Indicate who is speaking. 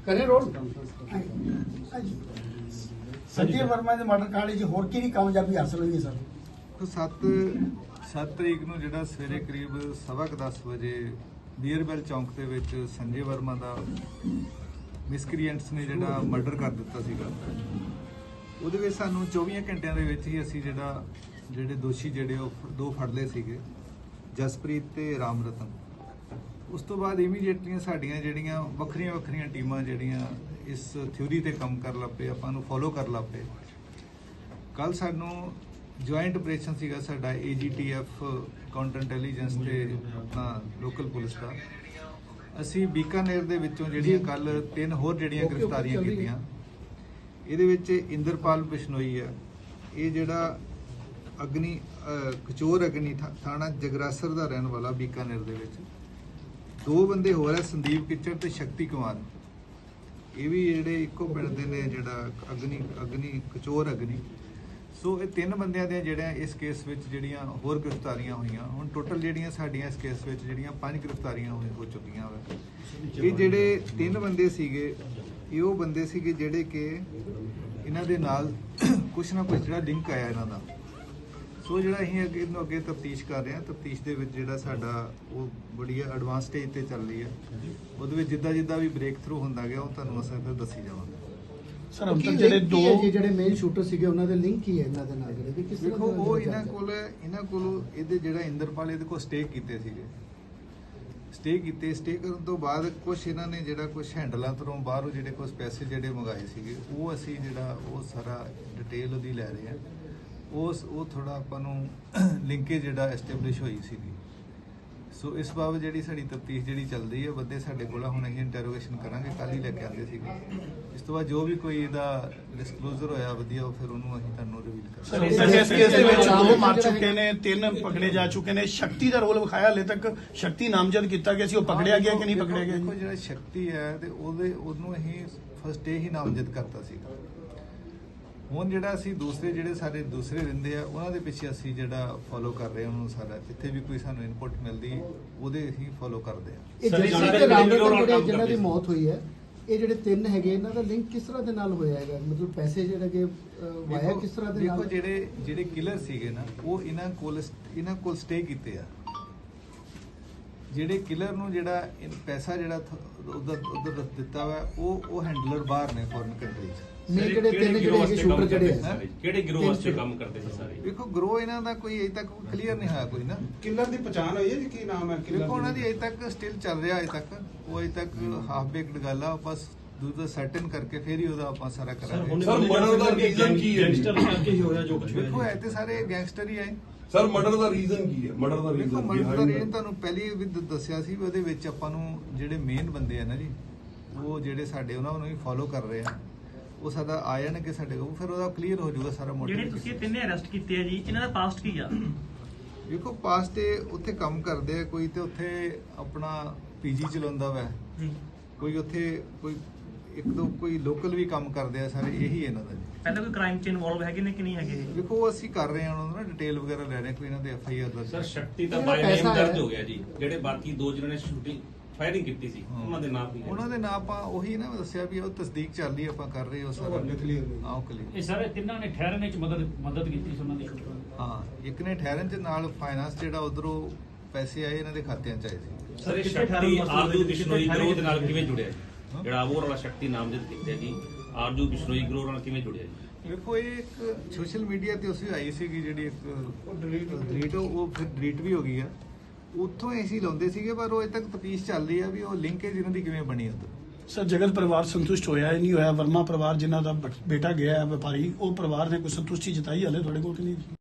Speaker 1: करे रोल
Speaker 2: संजय वर्मा ਦੇ ਮਰਡਰ ਕਾਂਡ ਵਿੱਚ ਹੋਰ ਕਿਹੜੀ ਕਾਮਯਾਬੀ ਹਾਸਲ ਹੋਈ ਹੈ ਸਰ?
Speaker 3: 7 ਤਰੀਕ ਨੂੰ ਜਿਹੜਾ ਸਵੇਰੇ ਕਰੀਬ 10:15 ਵਜੇ ਬੀਅਰਬੈਲ ਚੌਂਕ ਦੇ ਵਿੱਚ ਸੰਜੇ ਵਰਮਾ ਦਾ ਮਿਸਕ੍ਰੀਐਂਟਸ ਨੇ ਜਿਹੜਾ ਮਰਡਰ ਕਰ ਦਿੱਤਾ ਸੀਗਾ। ਉਹਦੇ ਵਿੱਚ ਸਾਨੂੰ 24 ਘੰਟਿਆਂ ਦੇ ਵਿੱਚ ਹੀ ਅਸੀਂ ਜਿਹੜੇ ਦੋਸ਼ੀ ਉਹ 2 ਫੜ ਲਏ ਸੀਗੇ, ਜਸਪ੍ਰੀਤ ਤੇ ਰਾਮ ਰਤਨ। ਉਸ ਤੋਂ ਬਾਅਦ ਇਮੀਡੀਏਟਲੀ ਸਾਡੀਆਂ ਜਿਹੜੀਆਂ ਵੱਖਰੀਆਂ ਟੀਮਾਂ ਜਿਹੜੀਆਂ ਇਸ ਥਿਊਰੀ ਤੇ ਕੰਮ ਕਰ ਲੱਗ ਪਏ, ਆਪਾਂ ਨੂੰ ਫੋਲੋ ਕਰ ਲੱਗ ਪਏ। ਕੱਲ ਸਾਨੂੰ ਜੁਆਇੰਟ ਆਪਰੇਸ਼ਨ ਸੀਗਾ ਸਾਡਾ AGTF ਕਾਊਂਟਰ ਇੰਟੈਲੀਜੈਂਸ ਤੇ ਆਪਣਾ ਲੋਕਲ ਪੁਲਿਸ ਦਾ। ਅਸੀਂ ਬੀਕਾਨੇਰ ਦੇ ਵਿੱਚੋਂ ਜਿਹੜੀਆਂ ਕੱਲ 3 ਹੋਰ ਜਿਹੜੀਆਂ ਗ੍ਰਿਫਤਾਰੀਆਂ ਕੀਤੀਆਂ। ਇਹਦੇ ਵਿੱਚ ਇੰਦਰਪਾਲ ਬਿਸ਼ਨੋਈ ਹੈ, ਇਹ ਜਿਹੜਾ ਕਚੋਰ ਅਗਨੀ ਥਾਣਾ ਜਗਰਾਸਰ ਦਾ ਰਹਿਣ ਵਾਲਾ ਬੀਕਾਨੇਰ ਦੇ ਵਿੱਚ। 2 ਬੰਦੇ ਹੋਰ ਹੈ, ਸੰਦੀਪ ਕਿਚੜ ਤੇ ਸ਼ਕਤੀ ਕੁਮਾਰ, ਇਹ ਵੀ ਜਿਹੜੇ ਇੱਕੋ ਪਿੰਡ ਦੇ ਨੇ, ਜਿਹੜਾ ਅਗਨੀ ਕਚੋਰ ਅਗਨੀ। ਸੋ ਇਹ 3 ਬੰਦਿਆਂ ਦੀਆਂ ਜਿਹੜੀਆਂ ਇਸ ਕੇਸ ਵਿੱਚ ਜਿਹੜੀਆਂ ਹੋਰ ਗ੍ਰਿਫਤਾਰੀਆਂ ਹੋਈਆਂ। ਹੁਣ ਟੋਟਲ ਜਿਹੜੀਆਂ ਸਾਡੀਆਂ ਇਸ ਕੇਸ ਵਿੱਚ ਜਿਹੜੀਆਂ 5 ਗ੍ਰਿਫਤਾਰੀਆਂ ਹੋ ਚੁੱਕੀਆਂ ਵਾ। ਇਹ ਜਿਹੜੇ 3 ਬੰਦੇ ਸੀਗੇ, ਇਹ ਉਹ ਬੰਦੇ ਸੀਗੇ ਜਿਹੜੇ ਕਿ ਇਹਨਾਂ ਦੇ ਨਾਲ ਕੁਛ ਨਾ ਕੁਛ ਜਿਹੜਾ ਲਿੰਕ ਆਇਆ ਇਹਨਾਂ ਦਾ। ਸੋ ਜਿਹੜਾ ਅਸੀਂ ਅੱਗੇ ਤਫਤੀਸ਼ ਕਰ ਰਹੇ ਹਾਂ। ਤਫਤੀਸ਼ ਦੇ ਵਿੱਚ ਜਿਹੜਾ ਸਾਡਾ ਉਹ ਬੜੀ ਐਡਵਾਂਸ ਸਟੇਜ ਤੇ ਚੱਲ ਰਹੀ ਹੈ। ਉਹਦੇ ਵਿੱਚ ਜਿੱਦਾਂ ਵੀ ਬ੍ਰੇਕ ਥਰੂ ਹੁੰਦਾ ਗਿਆ ਉਹ ਤੁਹਾਨੂੰ ਅਸੀਂ ਫਿਰ ਦੱਸੀ ਜਾਵਾਂਗੇ।
Speaker 1: ਸਰ ਹੁਣ ਤੱਕ ਜਿਹੜੇ ਮੇਨ ਸ਼ੂਟਰ ਸੀਗੇ ਉਹਨਾਂ ਦੇ ਲਿੰਕ ਕੀ ਹੈ ਇਹਨਾਂ ਦੇ ਨਾਲ?
Speaker 3: ਦੇਖੋ ਉਹ ਇਹਨਾਂ ਕੋਲ ਇਹਦੇ ਜਿਹੜਾ ਇੰਦਰਪਾਲ ਇਹਦੇ ਕੋਲ ਸਟੇ ਕੀਤੇ ਸੀਗੇ। ਸਟੇ ਕਰਨ ਤੋਂ ਬਾਅਦ ਕੁਝ ਇਹਨਾਂ ਨੇ ਜਿਹੜਾ ਕੁਝ ਹੈਂਡਲਾਂ ਤੋਂ ਬਾਹਰੋਂ ਜਿਹੜੇ ਕੁਝ ਪੈਸੇ ਜਿਹੜੇ ਮੰਗਾਏ ਸੀਗੇ, ਉਹ ਅਸੀਂ ਉਹ ਸਾਰਾ ਡਿਟੇਲ ਉਹਦੀ ਲੈ ਰਹੇ ਹਾਂ। ਉਹ ਥੋੜਾ ਆਪਾਂ ਨੂੰ ਲਿੰਕੇਜ ਜਿਹੜਾ ਐਸਟੈਬਲਿਸ਼ ਹੋਈ ਸੀਗੀ। ਸੋ ਇਸ ਬਾਬਤ ਜਿਹੜੀ ਸਾਡੀ ਤਫਤੀਸ਼ ਜਿਹੜੀ ਚੱਲਦੀ ਹੈ, ਬੰਦੇ ਸਾਡੇ ਕੋਲ ਹੁਣ ਅਸੀਂ ਇੰਟਰੋਗੇਸ਼ਨ ਕਰਾਂਗੇ। ਕੱਲ ਹੀ ਲੈ ਕੇ ਆਉਂਦੇ ਸੀਗੇ। ਇਸ ਤੋਂ ਬਾਅਦ ਜੋ ਵੀ ਕੋਈ ਇਹਦਾ ਡਿਸਕਲੋਜ਼ਰ ਹੋਇਆ ਵਧੀਆ, ਉਹ ਫਿਰ ਉਹਨੂੰ ਅਸੀਂ ਤੁਹਾਨੂੰ ਰਿਵੀਲ ਕਰਾਂਗੇ।
Speaker 2: ਇਸ ਕੇਸ ਦੇ ਵਿੱਚ 2 ਮਰ ਚੁੱਕੇ ਨੇ, 3 ਪਕੜੇ ਜਾ ਚੁੱਕੇ ਨੇ। ਸ਼ਕਤੀ ਦਾ ਰੋਲ ਵਿਖਾਇਆ ਹਲੇ ਤੱਕ? ਸ਼ਕਤੀ ਨਾਮਜ਼ਦ ਕੀਤਾ ਗਿਆ ਸੀ, ਉਹ ਪਕੜਿਆ ਗਿਆ ਕਿ ਨਹੀਂ ਪਕੜਿਆ ਗਿਆ?
Speaker 3: ਦੇਖੋ ਜਿਹੜਾ ਸ਼ਕਤੀ ਹੈ ਤੇ ਉਹਨੂੰ ਅਸੀਂ ਫਸਟ ਡੇ ਹੀ ਨਾਮਜ਼ਦ ਕਰਤਾ ਸੀਗਾ। ਹੁਣ ਜਿਹੜਾ ਅਸੀਂ ਜਿਹੜੇ ਸਾਡੇ ਦੂਸਰੇ ਰਹਿੰਦੇ ਆ, ਉਹਨਾਂ ਦੇ ਪਿੱਛੇ ਅਸੀਂ ਜਿਹੜਾ ਫੋਲੋ ਕਰ ਰਹੇ ਹਾਂ ਉਹਨੂੰ ਸਾਰਾ। ਜਿੱਥੇ ਵੀ ਕੋਈ ਸਾਨੂੰ ਇਨਪੁਟ ਮਿਲਦੀ ਉਹਦੇ ਅਸੀਂ ਫੋਲੋ ਕਰਦੇ ਹਾਂ।
Speaker 1: ਇਹ ਜਿਹਨਾਂ ਦੀ ਮੌਤ ਹੋਈ ਹੈ, ਇਹ ਜਿਹੜੇ 3 ਹੈਗੇ, ਇਹਨਾਂ ਦਾ ਲਿੰਕ ਕਿਸ ਤਰ੍ਹਾਂ ਦੇ ਨਾਲ ਹੋਇਆ ਹੈਗਾ? ਮਤਲਬ ਪੈਸੇ ਜਿਹੜਾ ਕਿ ਵਾਇਆ ਕਿਸ ਤਰ੍ਹਾਂ ਦੇ ਨਾਲ?
Speaker 3: ਦੇਖੋ ਜਿਹੜੇ ਕਿਲਰ ਸੀਗੇ ਨਾ, ਉਹ ਇਹਨਾਂ ਕੋਲ ਸਟੇ ਕੀਤੇ ਆ। ਜਿਹੜੇ ਕਿਲਰ ਨੂੰ ਜਿਹੜਾ ਪੈਸਾ ਜਿਹੜਾ ਉਧਰ ਦਿੱਤਾ ਵਾ, ਉਹ ਹੈਂਡਲਰ ਬਾਹਰ ਨੇ ਫੋਰਨ ਕੰਟਰੀਜ਼।
Speaker 1: ਨਹੀਂ, ਜਿਹੜੇ ਸ਼ੂਟਰ
Speaker 4: ਕਿਹੜੇ ਗਿਰੋਹ ਵਾਸਤੇ ਕੰਮ ਕਰਦੇ ਸੀ ਸਾਰੇ?
Speaker 3: ਦੇਖੋ ਗਰੋਹ ਇਹਨਾਂ ਦਾ ਕੋਈ ਅਜੇ ਤੱਕ ਕਲੀਅਰ ਨਹੀਂ ਹੋਇਆ ਕੋਈ ਨਾ।
Speaker 2: ਕਿਲਰ ਦੀ ਪਛਾਣ ਹੋਈ ਹੈ ਜੀ? ਕੀ ਨਾਮ ਹੈ ਕਿਲਰ?
Speaker 3: ਦੇਖੋ ਉਹਨਾਂ ਦੀ ਅਜੇ ਤੱਕ ਸਟਿਲ ਚੱਲ ਰਿਹਾ। ਅਜੇ ਤੱਕ ਹਾਫ ਬੇਕਡ ਗੱਲ ਆ। ਬਸ ਦੂਜਾ ਸਰਟਨ ਕਰਕੇ ਫਿਰ ਹੀ ਉਹਦਾ ਆਪਾਂ ਸਾਰਾ ਕਰਾਂਗੇ।
Speaker 5: ਸਰ ਮਰਡਰ ਦਾ ਰੀਜ਼ਨ ਕੀ ਹੈ?
Speaker 4: ਗੈਂਗਸਟਰ ਕਰਕੇ ਹੀ ਹੋਇਆ ਜੋ ਕੁਝ ਹੋਇਆ।
Speaker 3: ਦੇਖੋ ਇਹ ਤੇ ਸਾਰੇ ਗੈਂਗਸਟਰ ਹੀ ਆਏ।
Speaker 5: ਸਰ ਮਰਡਰ ਦਾ ਰੀਜ਼ਨ ਕੀ ਹੈ? ਮਰਡਰ ਦਾ ਰੀਜ਼ਨ
Speaker 3: ਤੁਹਾਨੂੰ ਪਹਿਲੀ ਵੀ ਦੱਸਿਆ ਸੀ। ਉਹਦੇ ਵਿੱਚ ਆਪਾਂ ਨੂੰ ਜਿਹੜੇ ਮੇਨ ਬੰਦੇ ਆ ਨਾ ਜੀ, ਉਹ ਜਿਹੜੇ ਸਾਡੇ ਉਹਨਾਂ ਨੂੰ ਵੀ ਫੋਲੋ ਕਰ ਰਹੇ ਆ। ਉਹ ਸਾਡਾ ਆ ਜਾਣਗੇ ਸਾਡੇ ਕੋਲ, ਫਿਰ ਉਹਦਾ ਕਲੀਅਰ ਹੋ ਜਾਊਗਾ ਸਾਰਾ ਮੋਟਿਵ।
Speaker 6: ਜਿਹੜੇ ਤੁਸੀਂ 3 ਅਰੈਸਟ ਕੀਤੇ ਆ ਜੀ, ਇਹਨਾਂ ਦਾ ਪਾਸਟ ਕੀ ਆ?
Speaker 3: ਦੇਖੋ ਪਾਸਟ ਤੇ ਉੱਥੇ ਕੰਮ ਕਰਦੇ ਆ। ਕੋਈ ਤੇ ਉੱਥੇ ਆਪਣਾ PG ਚਲਾਉਂਦਾ ਵਾ, ਕੋਈ ਉੱਥੇ ਕੋਈ ਲੋਕਲ ਵੀ ਕੰਮ ਕਰਦੇ ਆ। ਸਾਰੇ ਇਹੀ ਇਹਨਾਂ ਦਾ ਜੀ।
Speaker 6: ਪਹਿਲਾਂ ਕੋਈ ਕ੍ਰਾਈਮ ਚ ਇਨਵੋਲਵ ਹੈਗੇ ਨੇ ਕਿ ਨਹੀਂ ਹੈਗੇ?
Speaker 3: ਦੇਖੋ ਅਸੀਂ ਕਰ ਰਹੇ ਹਾਂ ਉਹਨਾਂ ਨੂੰ ਡਿਟੇਲ ਵਗੈਰਾ ਲੈ ਰਹੇ। ਕੋਈ ਇਹਨਾਂ ਦੇ FIR ਦਰਜ।
Speaker 4: ਸਰ ਸ਼ਕਤੀ ਦਾ ਬਾਈ ਨੇਮ ਦਰਜ ਹੋ ਗਿਆ ਜੀ। ਜਿਹੜੇ ਬਾਕੀ 2 ਜਿਹਨਾਂ ਨੇ ਸ਼ੂਟਿੰਗ ਫਾਇਰਿੰਗ ਕੀਤੀ ਸੀ, ਉਹਨਾਂ ਦੇ ਨਾਮ ਵੀ
Speaker 3: ਉਹਨਾਂ ਦੇ ਨਾਮ ਆਪਾਂ ਉਹੀ ਨਾ ਦੱਸਿਆ ਵੀ ਉਹ ਤਸਦੀਕ ਚੱਲ ਰਹੀ ਆਪਾਂ ਕਰ ਰਹੇ ਹਾਂ। ਸਾਰਾ ਕਲੀਅਰ।
Speaker 4: ਇਹ ਸਾਰੇ ਤਿੰਨਾਂ ਨੇ ਠਹਿਰਨੇ ਚ ਮਦਦ ਕੀਤੀ ਸੀ ਉਹਨਾਂ ਦੀ।
Speaker 3: ਹਾਂ, ਇੱਕ ਨੇ ਠਹਿਰਨ ਚ ਨਾਲ ਫਾਈਨਾਂਸ ਜਿਹੜਾ ਉਧਰੋਂ ਪੈਸੇ ਆਏ ਇਹਨਾਂ ਦੇ ਖਾਤਿਆਂ ਚ ਆਏ ਸੀ।
Speaker 4: ਸਰ ਸ਼ਕਤੀ ਆਰਜੂ ਬਿਸ਼ਨੋਈ ਗਰੋਹ ਦੇ ਨਾਲ ਕਿਵੇਂ ਜੁੜਿਆ? ਜਿਹੜਾ ਆਬੋਰ ਵਾਲਾ ਸ਼ਕਤੀ ਨਾਮਜ਼ਦ ਕੀਤਾ ਜੀ, ਆਰਜੂ ਬਿਸ਼ਨੋਈ ਗਰੋਹ ਨਾਲ ਕਿਵੇਂ ਜੁੜਿਆ ਜੀ?
Speaker 3: ਦੇਖੋ ਇਹ ਇੱਕ ਸੋਸ਼ਲ ਮੀਡੀਆ ਤੇ ਉਸ ਆਈ ਸੀਗੀ ਜਿਹੜੀ ਇੱਕ ਡਿਲੀਟ ਉਹ ਫਿਰ ਡਿਲੀਟ ਵੀ ਹੋ ਗਈ ਆ। ਉੱਥੋਂ ਅਸੀਂ ਲਾਉਂਦੇ ਸੀਗੇ, ਪਰ ਉਹ ਅਜੇ ਤੱਕ ਤਫਤੀਸ਼ ਚੱਲ ਰਹੀ ਆ ਵੀ ਉਹ ਲਿੰਕੇਜ ਇਹਨਾਂ ਦੀ ਕਿਵੇਂ ਬਣੀ ਉੱਧਰ।
Speaker 2: ਸਰ ਜਗਤ ਪਰਿਵਾਰ ਸੰਤੁਸ਼ਟ ਹੋਇਆ ਨਹੀਂ ਹੋਇਆ? ਵਰਮਾ ਪਰਿਵਾਰ ਜਿਨ੍ਹਾਂ ਦਾ ਬੇਟਾ ਗਿਆ ਹੈ ਵਪਾਰੀ, ਉਹ ਪਰਿਵਾਰ ਨੇ ਕੋਈ ਸੰਤੁਸ਼ਟੀ ਜਤਾਈ ਹਲੇ ਤੁਹਾਡੇ ਕੋਲ ਕਿ ਨਹੀਂ?